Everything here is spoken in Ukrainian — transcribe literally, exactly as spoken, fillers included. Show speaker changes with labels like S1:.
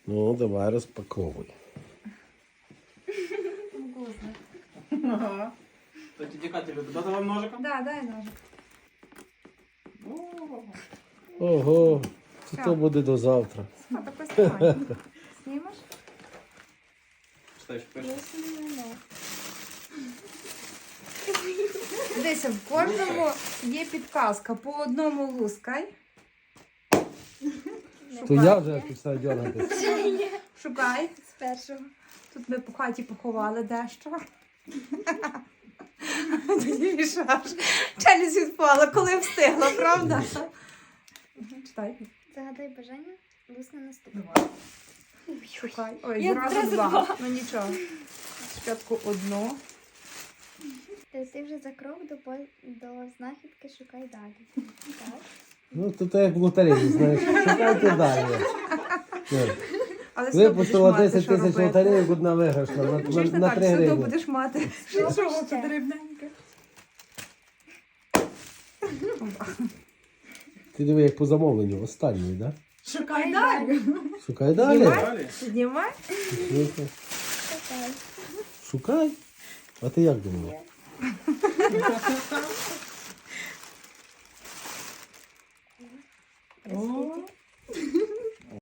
S1: Ну, давай розпаковуй.
S2: Вкусно.
S3: Ага. То тетя Катя любит. Дати вам ножиком?
S2: Да, дай ножик.
S3: О.
S1: Ого,
S2: Що?
S1: то буде до завтра.
S2: А, так ось тримай. Знімеш?
S3: Читай, що пише.
S2: Дивися, в кожному є підказка. По одному лускай.
S1: То я вже починаю дергатися.
S2: Шукай.
S4: З першого.
S2: Тут ми по хаті поховали дещо. Тоді мішаш. Челюсть відпала, коли встигла, правда? Читай.
S4: Загадай бажання, лусне наступне.
S2: Шукай. Ой,
S4: Я
S2: зразу
S4: одразу
S2: два.
S4: два.
S2: Ну нічого. Спочатку одну.
S4: Ти, ти вже за крок до, по- до знахідки шукай далі. Так.
S1: Ну, то так як в лотереї, знаєш. Шукайте далі. Ні.
S2: Але все одно будеш
S1: Випустила
S2: мати,
S1: десять
S2: що
S1: тисяч
S2: робити.
S1: лотереїв, одна виграшна на, на,
S2: Чуєш, не
S1: на
S2: так,
S1: три
S2: все одно
S1: гривні.
S2: будеш мати.
S4: Що
S2: Що
S4: ще?
S2: це дрібненьке?
S1: Ти диви, як по замовленню, останній, так?
S2: Шукай далі.
S1: Шукай далі.
S2: Знімай.
S3: Далі.
S2: Піднімай.
S1: Слухай.
S4: Шукай.
S1: Шукай. А ти як думала?